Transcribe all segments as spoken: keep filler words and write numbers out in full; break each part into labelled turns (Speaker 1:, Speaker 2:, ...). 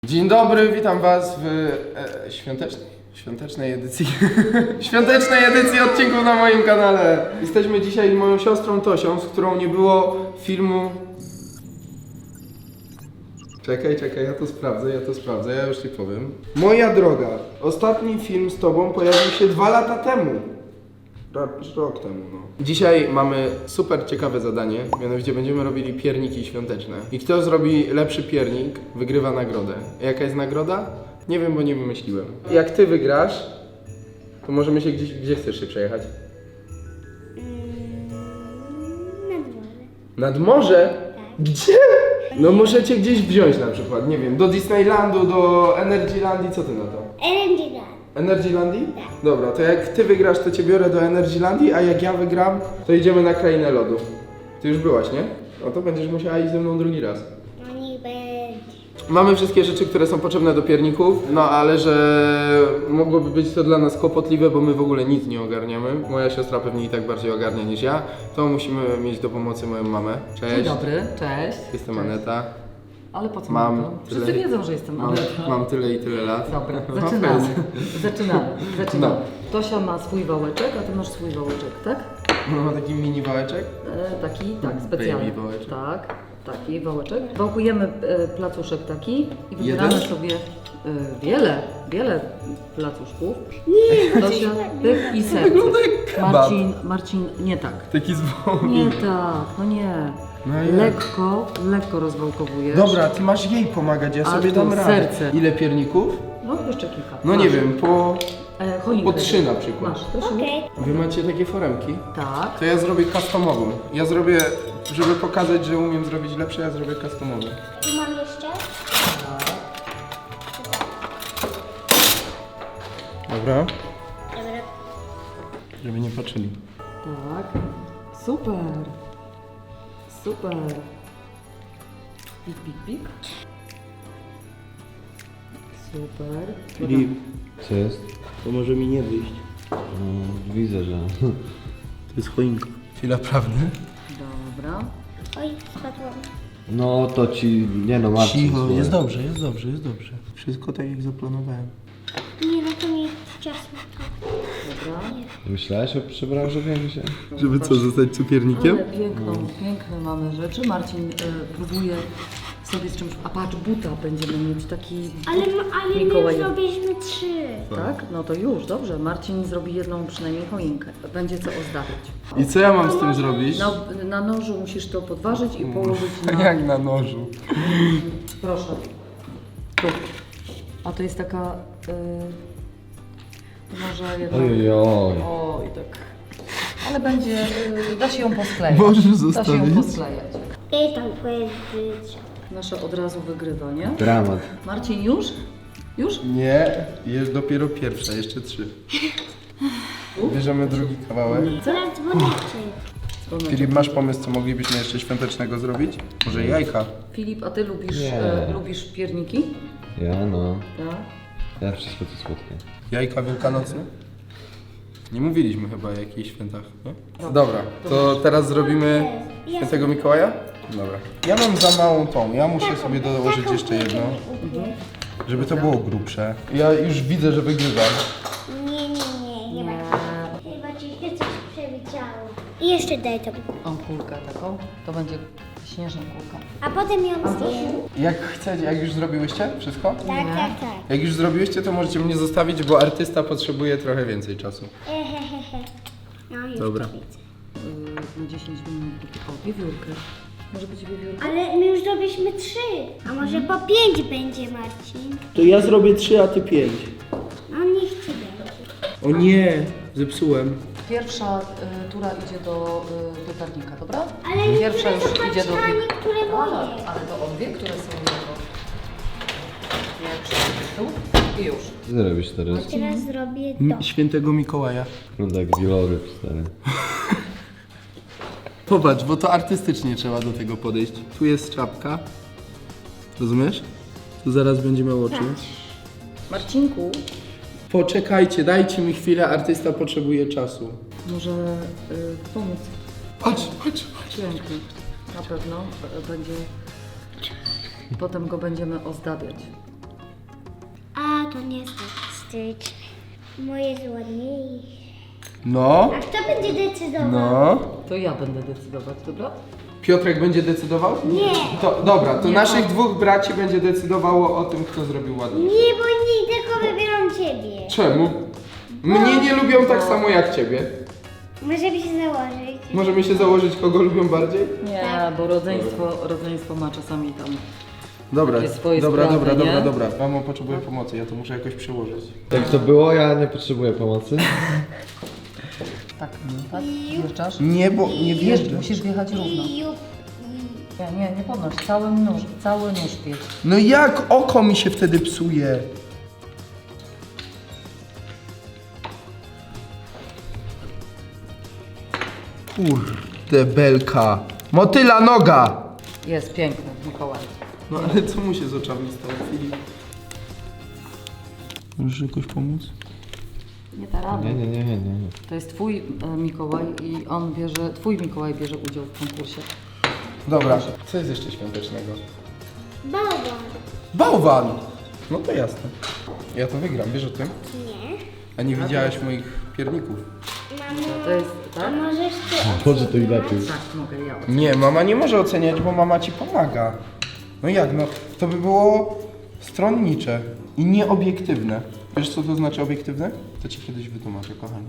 Speaker 1: Dzień dobry, witam was w e, świątecznej, świątecznej edycji świątecznej edycji odcinków na moim kanale. Jesteśmy dzisiaj z moją siostrą Tosią, z którą nie było filmu. Czekaj, czekaj, ja to sprawdzę, ja to sprawdzę, ja już ci powiem. Moja droga, ostatni film z tobą pojawił się dwa lata temu. Rok temu, no. Dzisiaj mamy super ciekawe zadanie, mianowicie będziemy robili pierniki świąteczne. I kto zrobi lepszy piernik, wygrywa nagrodę. Jaka jest nagroda? Nie wiem, bo nie wymyśliłem. Jak ty wygrasz, to możemy się gdzieś, gdzie chcesz się przejechać?
Speaker 2: Nad morze.
Speaker 1: Nad morze? Gdzie? No możecie gdzieś wziąć na przykład, nie wiem, do Disneylandu, do Energylandii, co ty na to?
Speaker 2: Energyland.
Speaker 1: Energylandii? Dobra, to jak ty wygrasz, to cię biorę do Energylandii, a jak ja wygram, to idziemy na krainę lodu. Ty już byłaś, nie? No to będziesz musiała iść ze mną drugi raz.
Speaker 2: No niech będzie.
Speaker 1: Mamy wszystkie rzeczy, które są potrzebne do pierników, no ale że mogłoby być to dla nas kłopotliwe, bo my w ogóle nic nie ogarniamy. Moja siostra pewnie i tak bardziej ogarnia niż ja, to musimy mieć do pomocy moją mamę. Cześć.
Speaker 3: Dzień dobry, cześć.
Speaker 1: Jestem
Speaker 3: Cześć.
Speaker 1: Aneta.
Speaker 3: Ale po co
Speaker 1: Mam
Speaker 3: mam to?
Speaker 1: tyle-
Speaker 3: Wszyscy wiedzą, że jestem
Speaker 1: Mam,
Speaker 3: Aneta.
Speaker 1: mam tyle i tyle lat.
Speaker 3: Dobra,
Speaker 1: No,
Speaker 3: zaczynamy.
Speaker 1: powiedz.
Speaker 3: Zaczynamy. Zaczynamy.
Speaker 1: No.
Speaker 3: Tosia ma swój wałeczek, a ty masz swój wałeczek, tak?
Speaker 1: Ona ma taki mini wałeczek.
Speaker 3: E, taki, tak, specjalny.
Speaker 1: Baby wałeczek.
Speaker 3: Tak, taki wałeczek. Wałkujemy e, placuszek taki i wybieramy
Speaker 1: Jeden?
Speaker 3: sobie e, wiele, wiele placuszków.
Speaker 2: Nie,
Speaker 3: Tosia, pyk i serce.
Speaker 1: Wygląda jak kebab.
Speaker 3: Marcin, Marcin, nie tak.
Speaker 1: Taki z wołowiny.
Speaker 3: Nie tak, no nie.
Speaker 1: No jak?
Speaker 3: Lekko, lekko rozwałkowujesz.
Speaker 1: Dobra, ty masz jej pomagać, ja
Speaker 3: A
Speaker 1: sobie
Speaker 3: tu
Speaker 1: dam radę.
Speaker 3: serce.
Speaker 1: Ile pierników?
Speaker 3: No jeszcze kilka.
Speaker 1: No
Speaker 3: Masz.
Speaker 1: nie wiem, po...
Speaker 3: E, choinkę.
Speaker 1: po trzy na przykład.
Speaker 3: Masz, Tosiu?
Speaker 2: okej.
Speaker 1: Wy macie takie foremki?
Speaker 3: Tak.
Speaker 1: To ja zrobię customową. Ja zrobię, żeby pokazać, że umiem zrobić lepsze, ja zrobię customową.
Speaker 2: Tu mam jeszcze?
Speaker 1: Dobra?
Speaker 2: Dobra.
Speaker 1: Żeby nie patrzyli.
Speaker 3: Tak. Super. Super. Pik, pik, pik. Super.
Speaker 1: Filip,
Speaker 4: Co jest?
Speaker 1: to może mi nie wyjść.
Speaker 4: No, widzę, że...
Speaker 1: To jest choinka. Chwila prawdy?
Speaker 3: Dobra.
Speaker 2: Oj, spadłam.
Speaker 4: No to ci... Nie no, Marcin,
Speaker 1: Cicho,
Speaker 4: słuchaj.
Speaker 1: jest dobrze, jest dobrze, jest dobrze. Wszystko tak jak zaplanowałem.
Speaker 2: Nie, no to nie ciasno.
Speaker 3: Dobra.
Speaker 4: Myślałeś o przebranżowieniu się?
Speaker 1: Żeby co, zostać cukiernikiem?
Speaker 3: Ale piękną, piękne mamy rzeczy. Marcin y, próbuje sobie z czymś... A patrz, buta będziemy mieć taki...
Speaker 2: Ale, ale my
Speaker 3: Mikołaj.
Speaker 2: zrobiliśmy trzy.
Speaker 3: Tak? No to już, dobrze. Marcin zrobi jedną przynajmniej choinkę. Będzie co ozdabiać.
Speaker 1: I co ja mam z tym zrobić?
Speaker 3: Na, na nożu musisz to podważyć i położyć na...
Speaker 1: Jak na nożu.
Speaker 3: Proszę. Tu. A to jest taka... Y, może jedna...
Speaker 4: Ojoj.
Speaker 3: Oj, tak. Ale będzie... Y, da się ją posklejać.
Speaker 1: Możesz
Speaker 3: Da się
Speaker 1: zostawić.
Speaker 3: ją posklejać.
Speaker 2: I tam powiedzieć.
Speaker 3: Nasza od razu wygrywa, nie?
Speaker 4: Dramat.
Speaker 3: Marcin, już? Już?
Speaker 1: Nie, jest dopiero pierwsza, jeszcze trzy. Bierzemy drugi kawałek.
Speaker 2: Zaraz dzwonicie.
Speaker 3: Dzwoneczek.
Speaker 1: Filip, masz pomysł, co moglibyśmy jeszcze świątecznego zrobić? Może jajka?
Speaker 3: Filip, a ty lubisz,
Speaker 4: Nie.
Speaker 3: e, lubisz pierniki?
Speaker 4: Ja no.
Speaker 3: Tak.
Speaker 4: Ja wszystko co słodkie.
Speaker 1: Jajka wielkanocne? Nie mówiliśmy chyba o jakichś świętach, nie? Dobra, to teraz zrobimy świętego Mikołaja? Dobra. Ja mam za małą tą, ja muszę sobie dołożyć jeszcze jedno, żeby to było grubsze. Ja już widzę, że wygrywam.
Speaker 2: Nie, nie, nie, chyba. Chyba ci się coś przewidziało. I jeszcze daj to.
Speaker 3: O, kulkę taką. To będzie śnieżna kulka.
Speaker 2: A potem ją zjem.
Speaker 1: Jak chcecie, jak już zrobiłyście wszystko?
Speaker 2: Tak, tak, tak.
Speaker 1: Jak już zrobiłyście, to możecie mnie zostawić, bo artysta potrzebuje trochę więcej czasu.
Speaker 2: Ehehehe. No już
Speaker 1: Dobra.
Speaker 2: to widzę.
Speaker 3: Yy, na dziesięć minut. O, wiewiórkę. Może być wiewiórka?
Speaker 2: Ale my już zrobiliśmy trzy. A może po pięć będzie, Marcin?
Speaker 1: To ja zrobię trzy, a ty pięć.
Speaker 2: No niech ci będzie.
Speaker 1: O nie, zepsułem.
Speaker 3: Pierwsza y, tura idzie do y, piekarnika, dobra?
Speaker 2: Ale
Speaker 3: Pierwsza już
Speaker 2: niektóre są
Speaker 3: idzie do...
Speaker 2: Marcina, a niektóre moje.
Speaker 3: Ale, ale to obie, które są jego. Pierwsza tu i już.
Speaker 4: Co ty robisz teraz?
Speaker 2: Teraz zrobię to.
Speaker 1: M- Świętego Mikołaja.
Speaker 4: Wygląda jak wieloryb, stary.
Speaker 1: Popatrz, bo to artystycznie trzeba do tego podejść. Tu jest czapka. Rozumiesz? Tu zaraz będzie miał oczy.
Speaker 3: Marcinku,
Speaker 1: Poczekajcie, dajcie mi chwilę, artysta potrzebuje czasu.
Speaker 3: może y, pomóc.
Speaker 1: Patrz, patrz, patrz.
Speaker 3: Piękny. Na pewno y, będzie... Potem go będziemy ozdabiać.
Speaker 2: to nie jest tak styczne. Moje jest ładniejsze.
Speaker 1: No,
Speaker 2: A kto będzie decydował?
Speaker 1: no.
Speaker 3: To ja będę decydować, dobra?
Speaker 1: Piotrek będzie decydował?
Speaker 2: Nie.
Speaker 1: To, dobra, to
Speaker 3: Nie,
Speaker 1: naszych
Speaker 3: on.
Speaker 1: dwóch braci będzie decydowało o tym, kto zrobił ładnie.
Speaker 2: Nie, bo nie, tylko wybieram ciebie.
Speaker 1: Czemu? Mnie nie lubią tak samo jak ciebie.
Speaker 2: Możemy się założyć.
Speaker 1: Możemy się założyć, kogo lubią bardziej?
Speaker 3: Nie,
Speaker 2: Tak.
Speaker 3: bo rodzeństwo, rodzeństwo ma czasami tam...
Speaker 1: Dobra,
Speaker 3: Takie swoje
Speaker 1: dobra,
Speaker 3: sprawy,
Speaker 1: dobra,
Speaker 3: nie?
Speaker 1: dobra, dobra. Mamo potrzebuje pomocy, ja to muszę jakoś przełożyć.
Speaker 4: Jak to było, ja nie potrzebuję pomocy.
Speaker 3: Tak, tak? Wjeżdżasz?
Speaker 1: Nie, bo nie
Speaker 3: Wjeżdż,
Speaker 1: wjeżdżę.
Speaker 3: musisz wjechać równo.
Speaker 2: I jup.
Speaker 3: Nie, nie, nie podnoś, cały nóż, cały nóż wjedź.
Speaker 1: No jak oko mi się wtedy psuje? Kurde belka. Motyla noga!
Speaker 3: Jest piękny, Mikołaj.
Speaker 1: No ale co mu się z oczami stało, Filip? Możesz jakoś pomóc?
Speaker 3: Nie da rady.
Speaker 4: Nie, nie, nie, nie. nie.
Speaker 3: To jest twój e, Mikołaj i on bierze, twój Mikołaj bierze udział w konkursie.
Speaker 1: Dobra, co jest jeszcze świątecznego?
Speaker 2: Bałwan.
Speaker 1: Bałwan! No to jasne. Ja to wygram, wiesz o tym?
Speaker 2: Nie.
Speaker 1: A nie widziałeś moich pierników?
Speaker 2: Mamo,
Speaker 3: To jest,
Speaker 2: a
Speaker 3: tak?
Speaker 2: możesz ty
Speaker 4: Może to i lepiej.
Speaker 3: Tak, mogę ja.
Speaker 1: Nie, mama nie może oceniać, bo mama ci pomaga. No jak, no to by było stronnicze i nieobiektywne. Wiesz co to znaczy obiektywne? To ci kiedyś wytłumaczę, kochanie.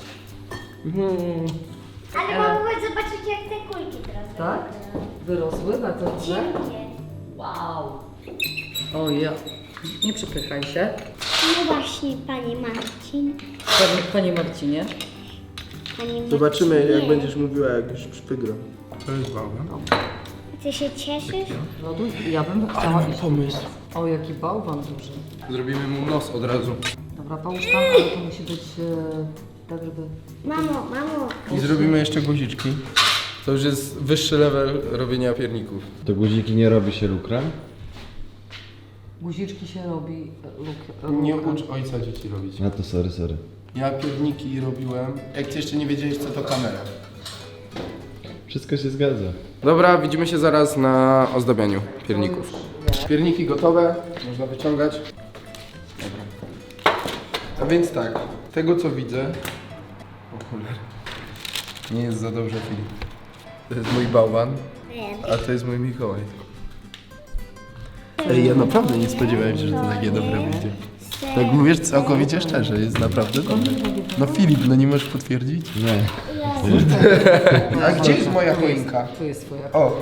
Speaker 2: Ale mamo, chodź zobaczyć jak te kulki teraz.
Speaker 3: Tak? Wyrosły bardzo dobrze?
Speaker 2: Cienkie.
Speaker 3: Wow. O ja. Nie przypychaj się.
Speaker 2: No właśnie, panie Marcin.
Speaker 3: Panie, panie Marcinie.
Speaker 2: Panie Marcinie.
Speaker 1: Zobaczymy jak będziesz mówiła, jak już przygram. To jest bałwan.
Speaker 2: Ty się cieszysz?
Speaker 3: Loduj, ja bym
Speaker 1: Ale
Speaker 3: chciała
Speaker 1: mam
Speaker 3: iść.
Speaker 1: pomysł.
Speaker 3: O, jaki bałwan duży.
Speaker 1: Zrobimy mu nos od razu.
Speaker 3: Dobra, połóż tam, ale to musi być e, tak, żeby...
Speaker 2: Mamo, mamo.
Speaker 1: I zrobimy jeszcze guziczki. To już jest wyższy level robienia pierników.
Speaker 4: To guziki nie robi się lukrem?
Speaker 3: Guziczki się robi e, luk,
Speaker 1: Nie
Speaker 3: lukrem.
Speaker 1: ucz ojca dzieci robić.
Speaker 4: No to sorry, sorry.
Speaker 1: Ja pierniki robiłem. Jak ty jeszcze nie wiedziałeś, co to kamera.
Speaker 4: Wszystko się zgadza.
Speaker 1: Dobra, widzimy się zaraz na ozdabianiu pierników.
Speaker 3: Nie.
Speaker 1: Pierniki gotowe, można wyciągać. Dobra. A więc tak, tego co widzę... O cholera. Nie jest za dobrze, Filip. To jest mój bałwan, a to jest mój Mikołaj. Ej, ja naprawdę nie spodziewałem się, że to takie dobre będzie. Tak mówisz całkowicie szczerze, jest naprawdę dobre. No Filip, no nie możesz potwierdzić?
Speaker 4: Nie.
Speaker 1: A gdzie jest moja choinka?
Speaker 3: Tu jest twoja.
Speaker 1: O,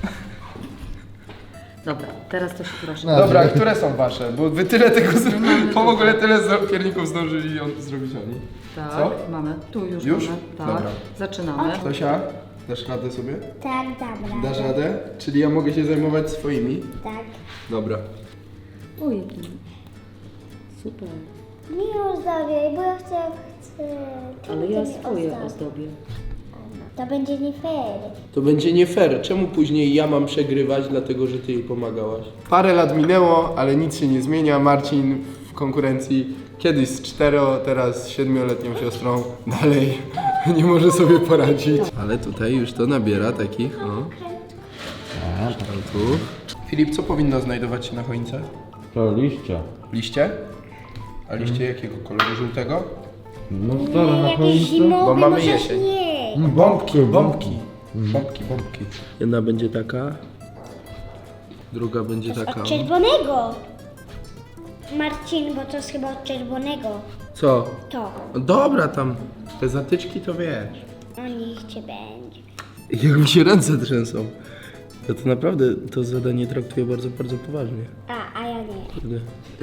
Speaker 3: Dobra, teraz to się proszę.
Speaker 1: dobra, a które są wasze? Bo wy tyle tego, zro- po w ogóle tyle zro- pierników zdążyli on, zrobić oni.
Speaker 3: Tak,
Speaker 1: Co?
Speaker 3: mamy. Tu już,
Speaker 1: Już?
Speaker 3: mamy. Tak.
Speaker 1: Dobra.
Speaker 3: Zaczynamy.
Speaker 1: Tosia, dasz radę sobie?
Speaker 2: Tak, dobra.
Speaker 1: Dasz radę? Czyli ja mogę się zajmować swoimi?
Speaker 2: Tak.
Speaker 1: Dobra.
Speaker 3: O, jaki super.
Speaker 2: Nie ozdabiaj, bo ja chcę... chcę...
Speaker 3: Ale ja
Speaker 2: Ty mi
Speaker 3: swoje
Speaker 2: ozdabiaj.
Speaker 3: ozdobię.
Speaker 2: To będzie nie fair.
Speaker 1: To będzie nie fair. Czemu później ja mam przegrywać, dlatego że ty jej pomagałaś? Parę lat minęło, ale nic się nie zmienia. Marcin w konkurencji kiedyś z cztero, teraz z siedmioletnią siostrą. Dalej nie może sobie poradzić. Ale tutaj już to nabiera takich, o, kształtów. Filip, co powinno znajdować się na choince?
Speaker 4: To liścia.
Speaker 1: Liście? A liście jakiego koloru? Żółtego?
Speaker 4: No
Speaker 2: Nie,
Speaker 4: dobra, na
Speaker 2: jakieś
Speaker 4: choince.
Speaker 2: zimowe,
Speaker 1: Bo mamy
Speaker 2: może
Speaker 1: jesień.
Speaker 2: śnieg.
Speaker 1: Bombki, bombki. Bombki, bombki. Jedna będzie taka. Druga będzie taka.
Speaker 2: Od czerwonego. Marcin, bo to jest chyba od czerwonego.
Speaker 1: Co?
Speaker 2: To.
Speaker 1: No dobra, tam te zatyczki to wiesz.
Speaker 2: O niech cię będzie.
Speaker 1: Jak mi się ręce trzęsą. Ja to naprawdę to zadanie traktuję bardzo, bardzo poważnie.
Speaker 2: A, a ja nie.
Speaker 1: Kurde.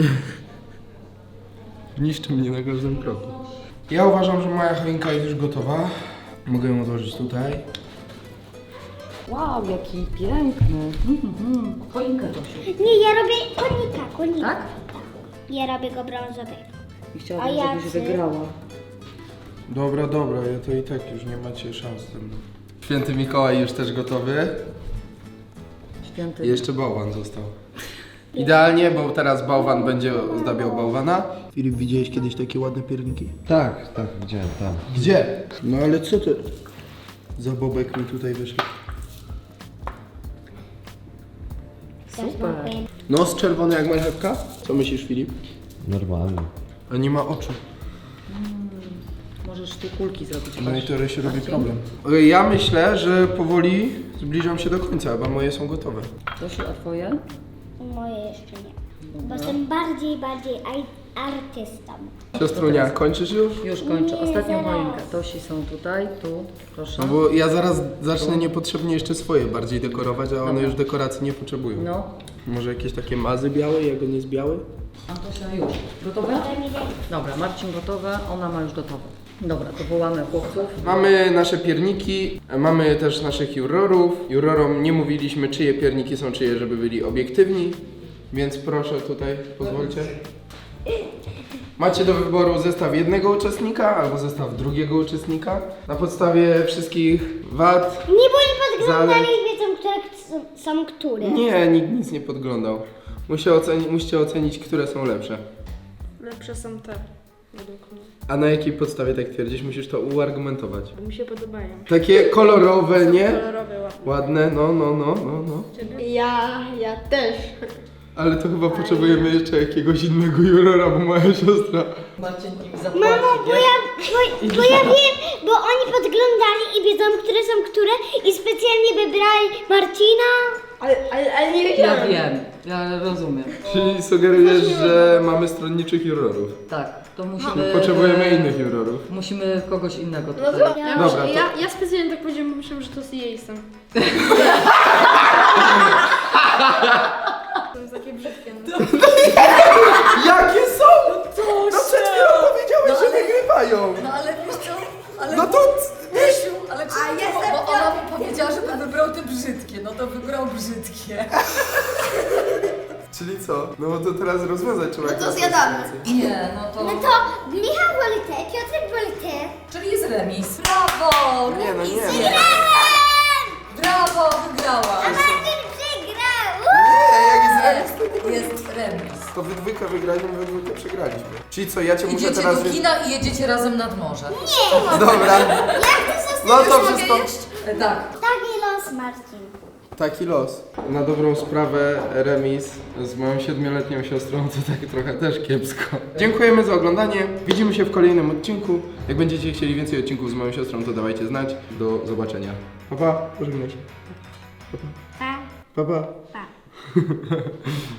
Speaker 1: Niszczy mnie na każdym kroku. Ja uważam, że moja choinka jest już gotowa. Mogę ją odłożyć tutaj.
Speaker 3: Wow, jaki piękny. Mhm. Choinkę, Tosiu.
Speaker 2: Nie, ja robię konika, konika.
Speaker 3: Tak?
Speaker 2: Ja robię go brązowego.
Speaker 3: I
Speaker 2: A
Speaker 3: chciałabym,
Speaker 2: ja
Speaker 3: żebyś
Speaker 2: chcę-
Speaker 3: wygrała.
Speaker 1: Dobra, dobra, ja to i tak już nie macie szans ze mną. Święty Mikołaj już też gotowy.
Speaker 3: Święty.
Speaker 1: I jeszcze bałwan został. Idealnie, bo teraz bałwan będzie ozdabiał bałwana. Filip, widziałeś kiedyś takie ładne pierniki?
Speaker 4: Tak, tak, widziałem, tak.
Speaker 1: Gdzie? No ale co to? Za bobek mi tutaj wyszedł.
Speaker 3: Super.
Speaker 1: Nos czerwony jak marchewka? Co myślisz, Filip?
Speaker 4: Normalnie.
Speaker 1: A nie ma oczu.
Speaker 3: Możesz tu kulki zrobić.
Speaker 1: No i
Speaker 3: patrz.
Speaker 1: to się robi
Speaker 3: Marcin?
Speaker 1: problem. Ja myślę, że powoli zbliżam się do końca, bo moje są gotowe.
Speaker 3: Tosiu, a twoje?
Speaker 2: Moje jeszcze nie. Bo
Speaker 3: Dobra.
Speaker 2: jestem bardziej, bardziej aj- artystą.
Speaker 1: Siostrunia, kończysz już?
Speaker 3: Już kończę.
Speaker 2: Nie,
Speaker 3: Ostatnią
Speaker 2: zaraz.
Speaker 3: choinkę. Tosi są tutaj, tu, proszę.
Speaker 1: No bo ja zaraz zacznę niepotrzebnie jeszcze swoje bardziej dekorować, a one
Speaker 3: Dobra.
Speaker 1: już dekoracji nie potrzebują.
Speaker 3: No,
Speaker 1: Może jakieś takie mazy białe, jego nie z biały?
Speaker 3: Antosia już. Gotowe?
Speaker 2: Daj mi daj.
Speaker 3: Dobra, Marcin gotowe, ona ma już gotowe. Dobra, to wołamy chłopców.
Speaker 1: Mamy nasze pierniki, mamy też naszych jurorów. Jurorom nie mówiliśmy, czyje pierniki są czyje, żeby byli obiektywni, więc proszę tutaj, pozwólcie. Macie do wyboru zestaw jednego uczestnika albo zestaw drugiego uczestnika. Na podstawie wszystkich wad.
Speaker 2: Nie, bo oni podglądali
Speaker 1: Zale-
Speaker 2: i wiedzą, które k- są które.
Speaker 1: Nie, nikt nic nie podglądał. Musi oceni- musicie ocenić, które są lepsze.
Speaker 5: Lepsze są te, według mnie.
Speaker 1: A na jakiej podstawie tak twierdzisz? Musisz to uargumentować.
Speaker 5: Bo mi się podobają.
Speaker 1: Takie kolorowe,
Speaker 5: Są
Speaker 1: nie?
Speaker 5: kolorowe, ładne.
Speaker 1: Ładne, no, no, no, no, no.
Speaker 5: Ja, ja też.
Speaker 1: Ale to chyba potrzebujemy jeszcze jakiegoś innego jurora, bo moja siostra...
Speaker 3: Marcin im zapłaci.
Speaker 2: Mamo, bo ja, bo, bo ja wiem, bo oni podglądali i wiedzą, które są które i specjalnie wybrali Marcina.
Speaker 5: Ale, ale, ale nie
Speaker 3: Ja
Speaker 5: wiedziałem.
Speaker 3: wiem, ja rozumiem.
Speaker 1: Czyli sugerujesz, że mamy stronniczych jurorów.
Speaker 3: Tak, to musimy...
Speaker 1: Potrzebujemy
Speaker 3: e,
Speaker 1: innych jurorów.
Speaker 3: Musimy kogoś innego
Speaker 5: No
Speaker 3: tutaj.
Speaker 5: to, ja,
Speaker 1: Dobra, to-
Speaker 5: ja, ja specjalnie tak powiedziałem, bo myślałem, że to jest jej są. Są takie brzydkie. No.
Speaker 1: Jakie są? No przed chwilą powiedziałeś, że wygrywają.
Speaker 3: No ale wiesz co? Ale
Speaker 1: No to...
Speaker 3: Wiesiu, ale czy, bo, bo ona mu powiedziała, żeby wybrał te brzydkie, no to wybrał brzydkie.
Speaker 1: Czyli co? No bo to teraz rozwiązać trzeba.
Speaker 6: No to
Speaker 1: jakąś
Speaker 6: zjadamy.
Speaker 1: konsekwencję.
Speaker 3: Nie, no to...
Speaker 2: No to Michał woli te, Piotrek woli te.
Speaker 3: Czyli jest remis. Brawo!
Speaker 1: Nie, no nie.
Speaker 3: Nie. Brawo, wygrała.
Speaker 2: Marcin przegrał!
Speaker 1: Nie, jak jest remis, to,
Speaker 3: Jest remis.
Speaker 1: to we dwójkę wygraliśmy, we dwójkę przegraliśmy. Czyli co, ja cię muszę
Speaker 3: Idziecie
Speaker 1: teraz...
Speaker 3: do kina i jedziecie razem nad morze.
Speaker 1: Dobra. No to wszystko...
Speaker 3: E, tak.
Speaker 2: Taki los, Marcin.
Speaker 1: Taki los. Na dobrą sprawę remis z moją siedmioletnią siostrą to tak trochę też kiepsko. Dziękujemy za oglądanie. Widzimy się w kolejnym odcinku. Jak będziecie chcieli więcej odcinków z moją siostrą, to dawajcie znać. Do zobaczenia. Pa, pa. Pożegnaj się.
Speaker 2: Pa,
Speaker 1: Pa, pa.
Speaker 2: pa.